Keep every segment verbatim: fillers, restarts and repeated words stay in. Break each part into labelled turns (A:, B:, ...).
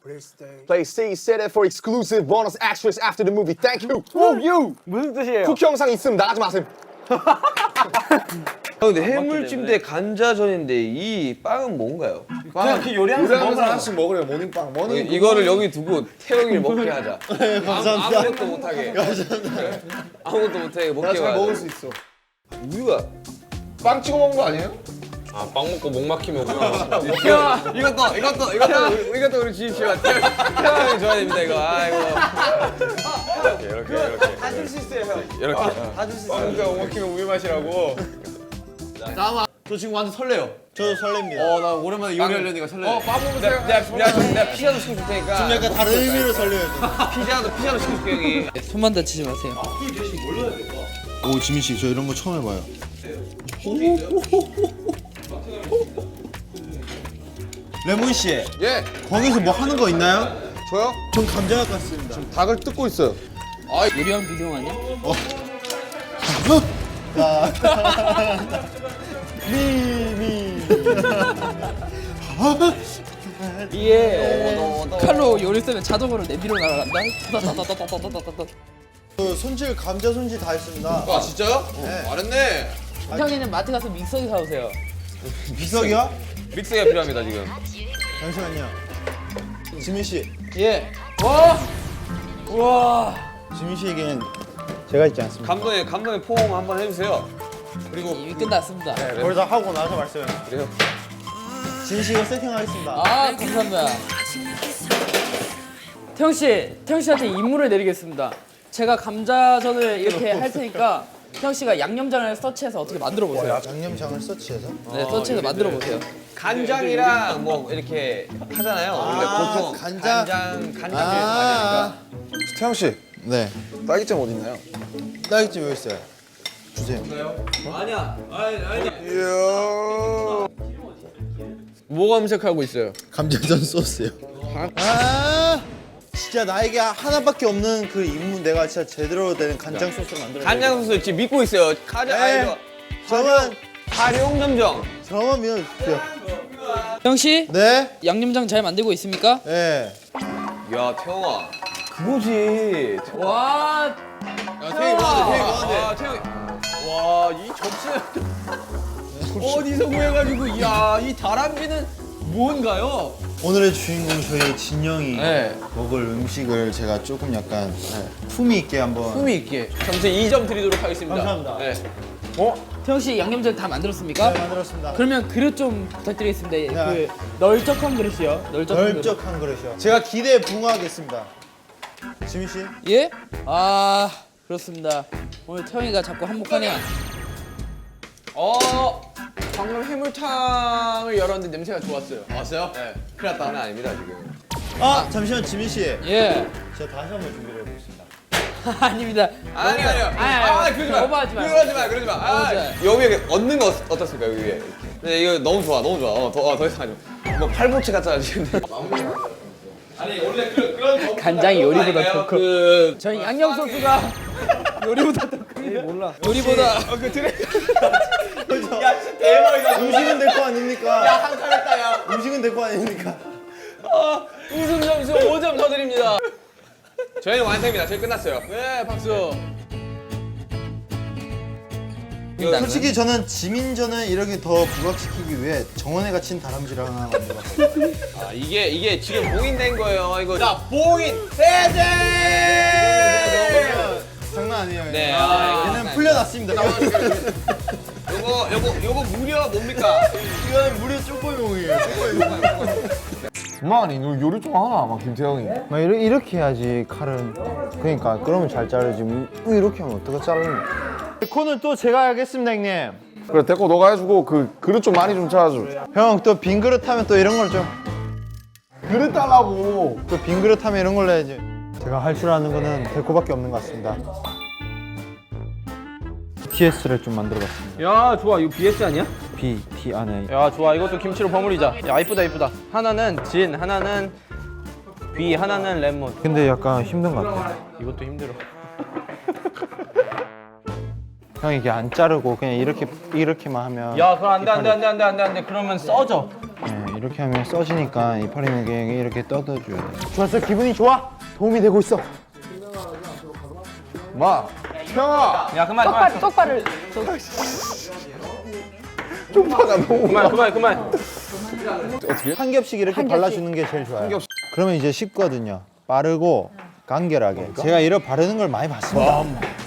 A: Play C, set it for exclusive bonus extras after the movie. Thank you. Woo you.
B: 무슨 뜻이에요?
A: 쿠키 영상 있으면 나가지 마세요.
C: 근데 해물찜 대 감자전인데 이 빵은 뭔가요?
B: 그냥 그 요리하면서
A: 요리하면서
B: 먹으라고.
A: 하나씩 먹으래요. 모닝빵. 모닝.
C: 이거를 여기 두고 태영이를 먹게 하자.
D: 감사합니다.
C: 아무것도 못하게. 아무것도 못하게 먹게
A: 나 잘
C: 하자.
A: 먹을 수 있어.
C: 우유가
A: 빵 찍어 먹는 거 아니에요?
C: 아, 빵 먹고 목 막히면 야, 이것도 이것도 이것도 이것도 우리 주십시오. 태영이 줘야 됩니다 이거. 아이고. 이렇게 이렇게 이렇게.
B: 다 줄 수 있어요, 형.
C: 이렇게.
B: 다 줄 수 있어요.
C: 빵 먹고 목 막히면 우유 마시라고.
B: 저 지금 완전 설레요.
D: 저도 설렙니다.
B: 어, 나 오랜만에 요리하려니까 설레.
C: 빵 먹으세요. 내가 내가 내가, 내가 피자도 시켜줄 테니까.
D: 좀 약간 다른 의미로 설레요.
C: 피자도 피자도 시켜줄게 형이.
E: 손만 다치지 마세요.
D: 오 지민 씨, 저 이런 거 처음 해봐요. 레몬 씨,
A: 예.
D: 거기서 뭐 하는 거 있나요?
A: 저요?
D: 전 감자학 같습니다.
A: 닭을 뜯고 있어요.
E: 요리왕 비디오 아니야? 이게 칼로 요리 쓰면 자동으로 내비로 날아간다. 따다다다다다다다다.
D: 저 손질 감자 손질 다 했습니다.
C: 아 진짜요?
D: 네.
C: 잘했네.
E: 형이는 마트 가서 믹서기 사오세요.
D: 비석이요?
C: 믹스가 필요합니다 지금.
D: 잠시만요. 지민 씨,
E: 예. 와. 우와.
D: 지민 씨에겐 제가 있지 않습니까?
C: 감독님 감독님 포옹 한번 해주세요.
E: 그리고 이미 끝났습니다.
D: 그걸 다 하고 나서 말씀해.
C: 그래요?
D: 지민 씨가 세팅하겠습니다.
E: 아 감사합니다. 태영 씨, 태영 씨한테 임무를 내리겠습니다. 제가 감자전을 이렇게 할 테니까 태영 씨가 양념장을 서치해서 어떻게 만들어 보세요.
D: 양념장을 서치해서.
E: 네, 서치해서 만들어 보세요.
C: 간장이랑 뭐 이렇게 하잖아요. 우리가
D: 아,
C: 보통
D: 간장?
C: 간장 간장
D: 아,
A: 태양 씨,
D: 네.
A: 딸기잼 어디 있나요?
D: 딸기찜 여기 있어요. 주세요.
C: 아니야. 아니 아니.
A: 이야.
C: 뭐 검색하고 있어요?
D: 감자전 소스요. 아, 진짜 나에게 하나밖에 없는 그 임무 내가 진짜 제대로 된 간장 소스를 만들어.
C: 간장 소스 지금 믿고 있어요. 가자.
D: 네.
C: 아 이거
D: 저만
C: 활용 점정.
D: 저만 믿어주세요.
E: 태영 씨,
D: 네,
E: 양념장 잘 만들고 있습니까?
D: 네.
C: 야 태영아. 그거지.
E: 와.
C: 야 태영이 뭐하는데? 태영이 뭐하는데? 아 태영이. 와이 접시. 어디서 구해가지고 야이 다람쥐는 뭔가요?
D: 오늘의 주인공 저희 진영이
C: 네.
D: 먹을 음식을 제가 조금 약간 품위 있게 한번.
C: 품위 있게 점수 이 점 드리도록 하겠습니다.
D: 감사합니다.
C: 네.
E: 태영 씨 양념장 다 만들었습니까?
D: 네, 만들었습니다.
E: 그러면 그릇 좀 부탁드리겠습니다.
D: 네.
E: 그 널쩍한 그릇이요. 널쩍한 그릇.
D: 널쩍한 그릇이요. 제가 기대에 부응하겠습니다. 지민 씨.
E: 예? 아 그렇습니다. 오늘 태영이가 자꾸 한몫하네요.
C: 어 방금 해물탕을 열었는데 냄새가 좋았어요. 왔어요? 네. 큰일 났다. 장난 아닙니다 지금.
D: 아, 잠시만 지민 씨.
E: 예.
D: 제가 다시 한번 준비를 해보겠습니다.
E: 아닙니다.
C: 아니 아니요.
E: 아니, 아니,
C: 아 그러지 마.
E: 오버하지 마요.
C: 그러지 마. 그러지 마. 아,
E: 오버하지
C: 여기 위에 얻는 거 어떻- 어떻습니까 여기 위에? 네 이거 너무 좋아. 너무 좋아. 어, 더, 어, 더 이상 하지 마. 뭐 팔보채 같잖아 지금. 아니 원래 그, 그런
E: 간장이 요리보다 더 커.
C: 그
E: 저희 양념 소스가 요리보다 더 큽니다. 몰라. 요리보다.
C: 그 드레. 야 진짜 대박이다.
D: 음식은 될 거 아닙니까?
C: 한 칸 했다 야.
D: 음식은 될 거 아닙니까?
C: 아, 웃음 점수 오 점 더 드립니다. 저희는 완성입니다. 저희 끝났어요. 네, 박수.
D: 솔직히 저는 지민전을 이렇게 더 부각시키기 위해 정원에 갇힌 다람쥐를 하나 만들었어요.
C: 아, 이게 이게 지금 봉인된 거예요. 이거. 자, 봉인 해제.
D: 장난 아니에요.
C: 네.
D: 아, 얘는 풀려났습니다.
C: 요거 요거 요거 무려 뭡니까?
D: 이거는 무려 쪼꼬용이에요.
A: 그만이 너 요리 좀 하나, 막 김태형이.
D: 막 이렇게, 이렇게 해야지 칼은. 그러니까 그러면 잘 자르지. 뭐 이렇게 하면 어떻게 자르는? 코는 또 제가 하겠습니다, 형님.
A: 그래, 데코 너가 해주고 그 그릇 좀 많이 좀 찾아줘.
D: 형 또 빈 그릇 하면 또 이런 걸 좀.
A: 그릇 달라고.
D: 또 빈 그릇 하면 이런 걸로 해야지. 제가 할 줄 아는 거는 데코밖에 없는 것 같습니다. 비티에스를 좀 만들어봤습니다.
B: 야, 좋아. 이거 비에스 아니야?
D: B, B 안에.
B: 야, 좋아. 이것도 김치로 버무리자. 야, 이쁘다, 이쁘다. 하나는 진, 하나는 비, 하나는 레몬.
D: 근데 약간 힘든 것 같아요.
B: 이것도 힘들어.
D: 형 이게 안 자르고 그냥 이렇게 이렇게만 하면.
B: 야, 그럼 안 돼, 안 돼, 안 돼, 안 돼, 안 돼, 안 돼. 그러면 써져.
D: 네, 이렇게 하면 써지니까 이파리에게 이렇게 떠줘야 돼. 좋았어, 기분이 좋아. 도움이 되고 있어.
A: 마. 형아.
B: 야 그만
E: 똑바로
B: 그만
E: 똑바로.
A: 쪽파가 너무.
B: 그만 그만 그만.
D: 한 겹씩 이렇게
E: 한 겹씩.
D: 발라주는 게 제일 좋아요. 그러면 이제 쉽거든요. 빠르고 간결하게. 제가 이렇게 바르는 걸 많이 봤습니다.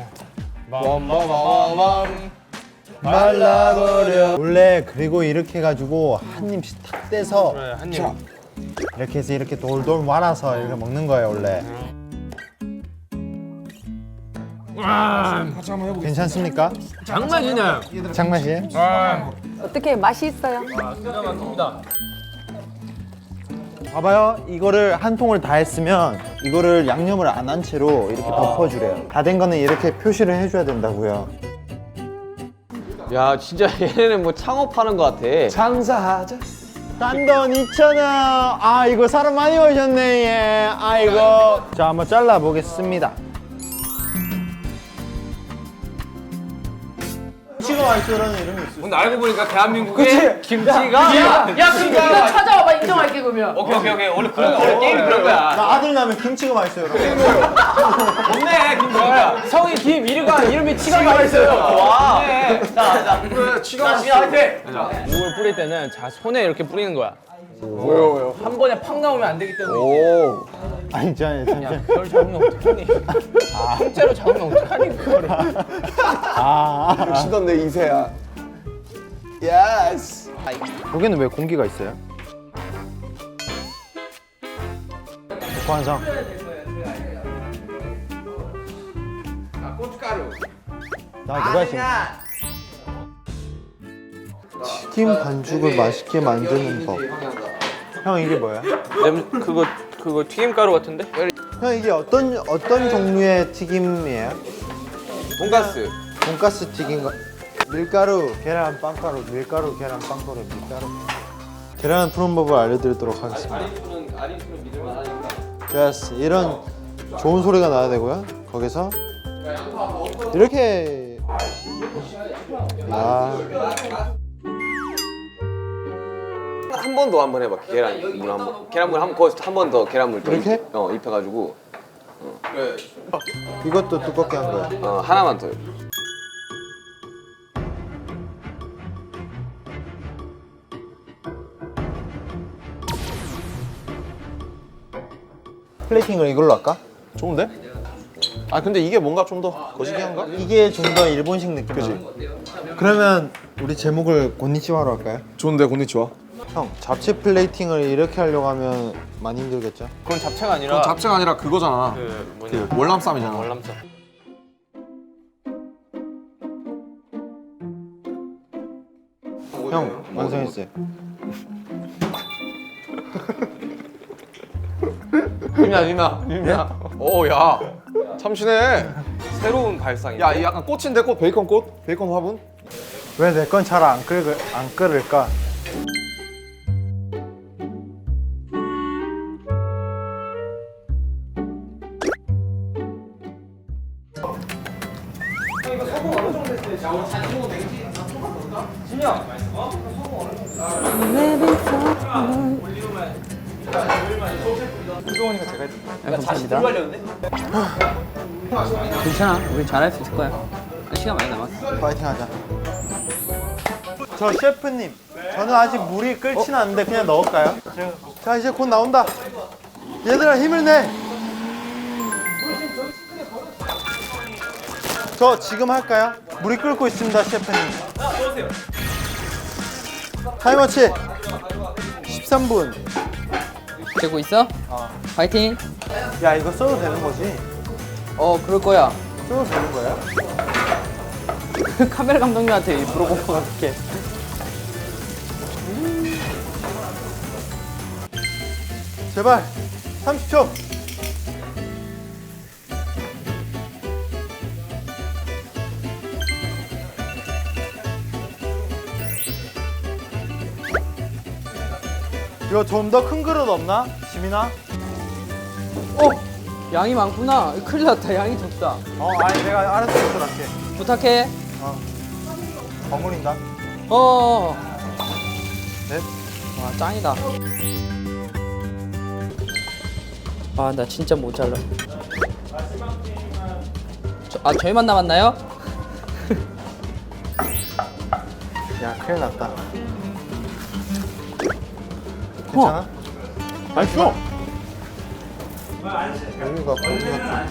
D: 말라버려. 원래 그리고 이렇게 해가지고 한 입씩 탁 떼서
B: 한 입.
D: 이렇게 해서 이렇게 돌돌 말아서 이렇게 먹는 거예요 원래. 괜찮습니까?
B: 장난이네.
D: 장맛이에요?
F: 어떻게 맛이 있어요?
D: 봐봐요. 이거를 한 통을 다 했으면 이거를 양념을 안 한 채로 이렇게 덮어주래요. 다 된 거는 이렇게 표시를 해줘야 된다고요.
C: 야 진짜 얘네는 뭐 창업하는 것 같아.
A: 장사하자.
D: 딴 돈 이천 원. 아 이거 사람 많이 오셨네. 예. 아이고. 자 한번 잘라 보겠습니다. 김치가 맛있어라는 이름이 있어요.
C: 근데 알고 보니까 대한민국의 김치가.
E: 야, 야 그럼 네가 찾아와봐 인정할게 그러면.
C: 오케이 오케이 오케이. 원래 그런 거 게임이 그런 거야.
D: 나 아들 나면 김치가 맛있어요. 여러분.
C: 없네 김치가.
B: 성이 김 이름가 이름이 치가 맛있어요.
C: 와. 자자. 그래 치가 맛있어.
B: 물을 뿌릴 때는 자 손에 이렇게 뿌리는 거야.
A: 왜요 왜요?
B: 한 번에 팍 나오면 안 되기 때문에.
A: 오.
D: 아니 저 잠시만.
B: 그걸 잡으면 어떡하니? 통째로 잡으면 어떡하니 그거를.
D: 아.
A: 시던 내 이세야. 예스.
D: 여기는 왜 공기가 있어요? 완성.
C: 고춧가루.
D: 나 누가 지금 튀김 반죽을 맛있게 만드는 법. 형 이게 뭐야?
B: 냄 그거 그거 튀김가루 같은데?
D: 형 이게 어떤 어떤 종류의 튀김이에요?
C: 돈가스.
D: 돈가스 튀김, 밀가루, 계란, 빵가루, 밀가루, 계란, 빵가루, 밀가루. 계란 푸는 법을 알려드리도록 하겠습니다. 예스, 이런 좋은 소리가 나야 되고요. 거기서 이렇게. 야.
C: 한 번 더 한번 해봐. 계란물 한 번. 계란물 한 번 거기서 한 번 더 계란물 더
D: 이렇게?
C: 입, 어 입혀가지고
D: 이것도 두껍게 한 거야.
C: 어 하나만 더.
D: 플레이팅을 이걸로 할까?
A: 좋은데? 아 근데 이게 뭔가 좀 더 거시기한가?
D: 이게 좀 더 일본식 느낌. 그지? 그러면 우리 제목을 곤니치와로 할까요?
A: 좋은데 곤니치와.
D: 형, 잡채 플레이팅을 이렇게 하려고 하면 많이 힘들겠죠?
B: 그건 잡채가 아니라
A: 그건 잡채가 아니라 그거잖아.
B: 그 뭐냐
A: 그 월남쌈이잖아.
B: 월남쌈.
D: 형, 완성했어요.
C: 유미야 유미야 유미야.
A: 오야 참신해.
B: 새로운 발상이야.
A: 야 이 약간 꽃인데 꽃 베이컨 꽃 베이컨 화분.
D: 왜 내 건 잘 안 끓을 안 끓을까?
E: 감사합니다. 괜찮아, 우리 잘할 수 있을 거야. 시간 많이 남았어.
D: 파이팅 하자. 저 셰프님, 저는 아직 물이 끓진 않는데 그냥 넣을까요? 자, 이제 곧 나온다. 얘들아, 힘을 내. 저 지금 할까요? 물이 끓고 있습니다, 셰프님. 타이머치 십삼 분.
E: 되고 있어?
D: 어.
E: 파이팅.
D: 야, 이거 써도 되는 거지?
E: 어, 그럴 거야.
D: 써도 되는 거야?
E: 카메라 감독님한테 물어보고 갈게.
D: 제발 삼십 초. 이거 좀 더 큰 그릇 없나? 지민아?
E: 어, 양이 많구나. 큰일 났다. 양이 적다.
D: 어, 아니 내가 알아서 할게.
E: 부탁해.
D: 버무린다.
E: 어,
D: 넷,
E: 와 짱이다. 아 나 진짜 못 잘라. 저, 아 저희만 남았나요?
D: 야 큰일 났다.
E: 어.
D: 괜찮아?
B: 맛있어.
D: 여기가 고기가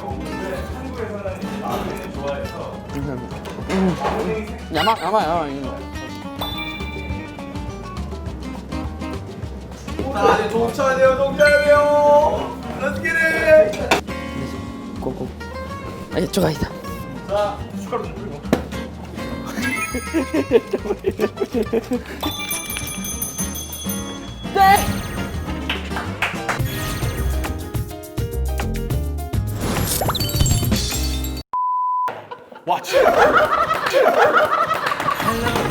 E: 야마 야마 야마. 이거.
C: 동쳐야 돼요, 동쳐야 돼요. Let's get it.
E: 고고. 아 이쪽 아니다.
C: 와, 진짜.